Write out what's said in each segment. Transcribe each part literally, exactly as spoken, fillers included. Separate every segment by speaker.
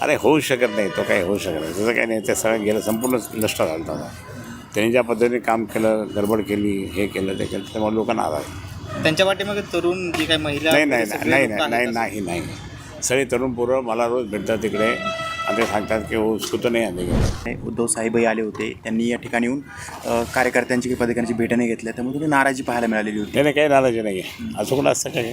Speaker 1: अरे होऊ शकत नाही, तो काही होऊ शकत नाही, तसं काही नाही. ते सगळं गेलं, संपूर्ण नष्ट झालं होता. त्यांनी ज्या पद्धतीने काम केलं, गडबड केली, हे केलं, ते केलं, त्यामुळे लोकांना आला.
Speaker 2: त्यांच्या पाठीमागे तरुण जी काही महिला
Speaker 1: नाही नाही
Speaker 2: सगळे
Speaker 1: नाही
Speaker 2: लोकं
Speaker 1: नाही नाही
Speaker 2: आहेत
Speaker 1: नाही नाही सगळे तरुण पोरं मला रोज भेटतात तिकडे आणि ते सांगतात की उसको तो नाही आले.
Speaker 3: उद्धव साहेबही आले होते, त्यांनी या ठिकाणी येऊन अ, कार्यकर्त्यांची काही पदाधिकाऱ्यांची भेट नाही घेतल्या, त्यामुळे थोडी नाराजी पाहायला मिळालेली होती.
Speaker 1: नाही काही नाराजी नाही आहे, असं कुठं असतं काय.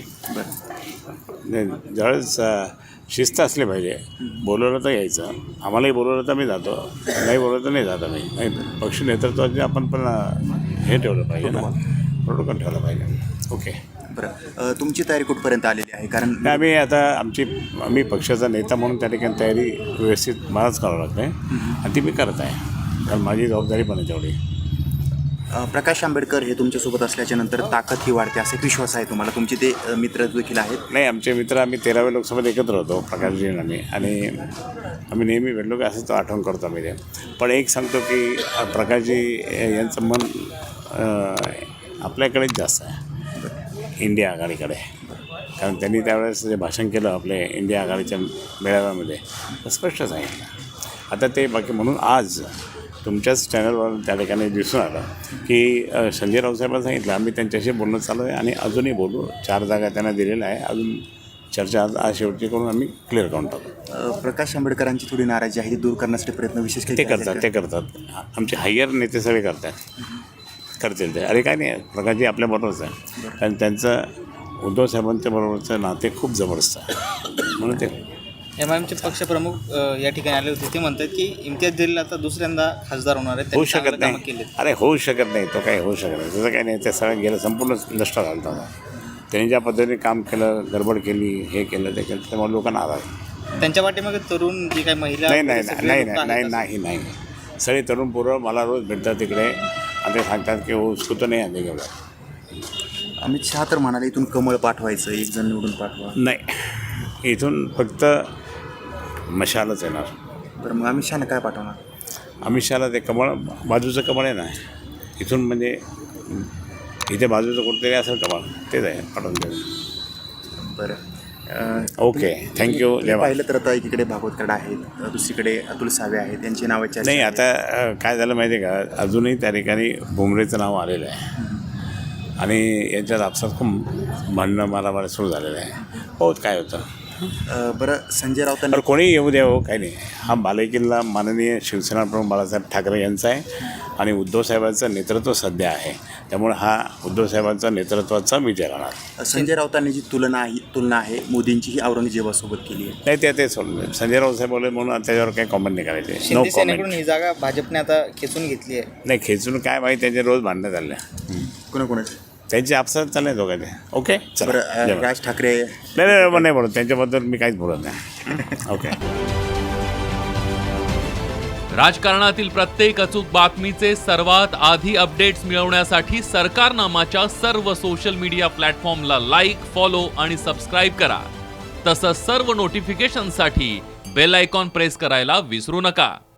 Speaker 1: नाही, ज्यावेळेस अ, शिस्त असली पाहिजे. बोलवलं तर यायचं, आम्हालाही बोलवलं तर मी जातो, नाही बोलवलं तर नाही जातो. मी नाही, पक्ष नेतृत्वाचे आपण पण अ, हे ठेवलं पाहिजे ना, प्रोटोकॉल ठेवलं पाहिजे. ओके,
Speaker 3: बरं, अ, तुमची तयारी कुठपर्यंत आलेली आहे? कारण
Speaker 1: नाही, आम्ही आता आमची आम्ही पक्षाचा नेता म्हणून त्या ठिकाणी तयारी व्यवस्थित मलाच करावं लागते आणि ती मी करत आहे, कारण माझी जबाबदारी पण आहे तेवढी.
Speaker 3: अ, प्रकाश आंबेडकर हे तुमच्यासोबत असल्याच्या नंतर ताकद ही वाढते असा एक विश्वास आहे तुम्हाला? तुमचे ते अ, मित्र देखील आहेत.
Speaker 1: नाही, आमचे मित्र आम्ही तेराव्या लोकसभेत एकत्र होतो, प्रकाशजी आणि आम्ही, आणि आम्ही नेहमी भेटलो की असंच आठवण करतो आम्ही ते. पण एक सांगतो की प्रकाशजी यांचं मन अ, आपल्याकडेच जास्त आहे, इंडिया आघाडीकडे. कारण त्यांनी त्यावेळेस जे भाषण केलं आपले इंडिया आघाडीच्या मेळाव्यामध्ये, तर स्पष्ट सांगितलं. आता ते बाकी म्हणून आज तुमच्याच चॅनलवर त्या ठिकाणी दिसून आलं की अ, संजय राऊत साहेबांनी सांगितलं, आम्ही त्यांच्याशी बोलणं चालू आहे आणि अजूनही बोलू. चार जागा त्यांना दिलेल्या आहे, अजून चर्चा आज आज शेवटची करून आम्ही क्लिअर करून टाकू.
Speaker 3: अ, प्रकाश आंबेडकरांची थोडी नाराजी आहे ती दूर करण्यासाठी प्रयत्न विशेष काही
Speaker 1: ते
Speaker 3: केले
Speaker 1: करतात
Speaker 3: आहेत
Speaker 1: ते करतात आमचे हायर नेते सगळे करतात, करतील ते. अरे काय नाही, प्रकाशजी आपल्याबरोबरच आहे, कारण त्यांचं उद्धव साहेबांच्या बरोबरचं नाते खूप जबरदस्त आहे, म्हणून ते.
Speaker 2: एम आय एमचे पक्षप्रमुख अ, या ठिकाणी आले होते. ते म्हणतात की इम्तियाज जलील आता दुसऱ्यांदा खासदार होणार आहे,
Speaker 1: होऊ
Speaker 2: त्यांनी
Speaker 1: शकत
Speaker 2: चांगलं कामं
Speaker 1: नाही.
Speaker 2: केलेत.
Speaker 1: अरे होऊ शकत नाही, तो काही होऊ शकत नाही, तसं काही नाही. ते सगळं गेलं, संपूर्ण नष्ट झालं होता. त्यांनी ज्या पद्धतीने काम केलं, गडबड केली, हे केलं, ते केलं, त्यामुळे लोकांना आला.
Speaker 2: त्यांच्या पाठीमागे तरुण जी काही महिला
Speaker 1: नाही नाही
Speaker 2: सगळे
Speaker 1: नाही
Speaker 2: लोकं
Speaker 1: नाही
Speaker 2: आहेत.
Speaker 1: नाही नाही सगळे तरुण पोरं मला रोज भेटतात तिकडे आणि ते सांगतात की उसको तो नाही आले गेलं.
Speaker 3: अमित शहा तर म्हणाले इथून कमळ पाठवायचं, एक जण निवडून पाठवा.
Speaker 1: नाही, इथून फक्त मशालच येणार.
Speaker 3: बरं, मग अमित शहाने काय पाठवणार?
Speaker 1: अमित शहाला ते कमळ, बाजूचं कमळ आहे ना, इथून म्हणजे इथे बाजूचं कुठतरी असेल कमळ, तेच आहे, पाठवून देऊ.
Speaker 3: बरं, अ,
Speaker 1: ओके, थँक्यू.
Speaker 3: तुम्ही पाहिलं तर आता एकीकडे भागवत कराड आहेत, अ, दुसरीकडे अतुल सावे आहेत, यांची नावाची
Speaker 1: नाही, आता अ, काय झालं माहिती आहे का, अजूनही त्या ठिकाणी भुमरेचं नाव आलेलं आहे आणि यांच्यात आपसात खूप भांडणं मारामारी सुरू झालेलं आहे. हो, काय होतं.
Speaker 3: बरं, संजय राऊतांनी
Speaker 1: तर कोणी येऊ द्या, हो, काही नाही. हा बालेकिल्ला माननीय शिवसेना प्रमुख बाळासाहेब ठाकरे यांचा आहे आणि उद्धव साहेबांचं नेतृत्व सध्या आहे, त्यामुळे हा उद्धव साहेबांचा नेतृत्वाचा विजय राहणार.
Speaker 3: संजय राऊतांनी जी तुलना आहे तुलना आहे मोदींची ही औरंगजेबासोबत केली आहे.
Speaker 1: नाही, ते ते सोडलं. संजय राऊत साहेब बोलले म्हणून त्याच्यावर काही कॉमेंट नाही करायचे. नो
Speaker 2: शिंदे सेनेकडून
Speaker 1: कॉमेंट.
Speaker 2: ही जागा भाजपने आता खेचून घेतली आहे.
Speaker 1: नाही, खेचून काय माहिती, त्यांचे रोज भांडणं चालले,
Speaker 3: कोणाकोणाचे?
Speaker 1: त्यांचे आपसात चालले दोघांचे. ओके, चला.
Speaker 3: बरं, अ,
Speaker 1: जेवा.
Speaker 3: राज ठाकरे
Speaker 1: नाही नाही नाही, नाही बोलत त्यांच्याबद्दल मी काहीच बोलत नाही. ओके.
Speaker 4: राजकारणातील प्रत्येक अचूक बातमीचे सर्वात आधी अपडेट्स मिळवण्यासाठी सरकारनामाच्या सर्व सोशल मीडिया प्लॅटफॉर्मला लाईक, फॉलो आणि सबस्क्राईब करा. तसंच सर्व नोटिफिकेशनसाठी बेल आयकॉन प्रेस करायला विसरू नका.